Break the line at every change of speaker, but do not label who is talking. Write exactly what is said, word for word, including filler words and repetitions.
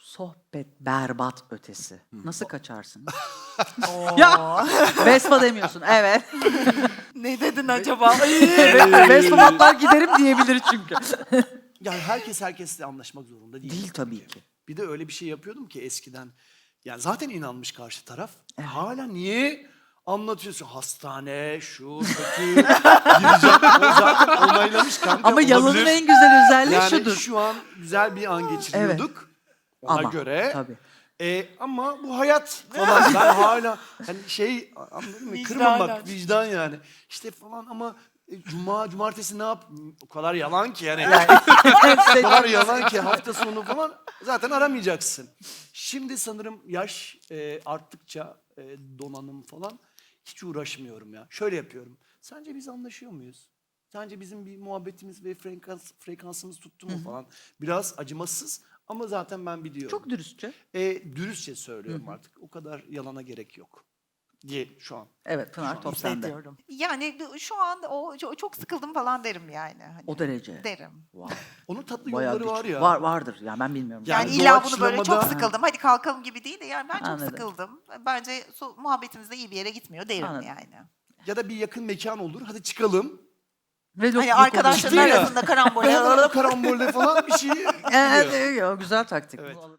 Sohbet berbat ötesi. Nasıl kaçarsın?
Oo.
Ya! Vespa demiyorsun, evet.
Ne dedin acaba?
Vespa giderim diyebilir çünkü.
Yani herkes herkesle anlaşmak zorunda değil.
Değil tabii ki.
Bir de öyle bir şey yapıyordum ki eskiden. Yani zaten inanmış karşı taraf. Hala niye anlatıyorsun? Hastane, şu, kötü, gideceğim. O zaten onaylamış kanka.
Ama yalanın
olabilir.
en güzel özelliği
Yani
şudur.
şu an güzel bir an geçiriyorduk. Ona
Ama,
göre.
tabii.
E, ama bu hayat falan. Ben hala hani şey anladın mı?
Vicdan
Kırmamak,
yani.
vicdan yani. İşte falan ama e, cuma, cumartesi ne yap? O kadar yalan ki yani. O kadar yalan ki hafta sonu falan zaten aramayacaksın. Şimdi sanırım yaş e, arttıkça e, donanım falan hiç uğraşmıyorum ya. Şöyle yapıyorum. Sence biz anlaşıyor muyuz? Sence bizim bir muhabbetimiz ve frekans, frekansımız tuttu mu falan. Biraz acımasız ama zaten ben biliyorum.
Çok dürüstçe.
E, dürüstçe söylüyorum artık. O kadar yalana gerek yok diye şu an.
Evet Pınar top sende.
Hissediyorum. Yani şu an o çok- çok sıkıldım falan derim yani. Hani
O derece.
derim.
Wow.
Onun tatlı
Bayağı
yolları var
güç.
ya.
Var vardır ya ben bilmiyorum.
Yani,
Yani
illa bunu böyle çok
doğaçlamada-
sıkıldım. Hadi kalkalım gibi değil de yani ben çok
Anladım.
sıkıldım. Bence so- muhabbetimiz de iyi bir yere gitmiyor derim
Anladım.
yani.
Ya da bir yakın mekan olur. Hadi çıkalım.
Ve yok-
Hani
yok
arkadaşların
Ciddi ya.
arasında karambol.
Karambolde falan bir şey gidiyor.
oluyor. Evet, evet, o güzel taktik.
Evet.
Bu.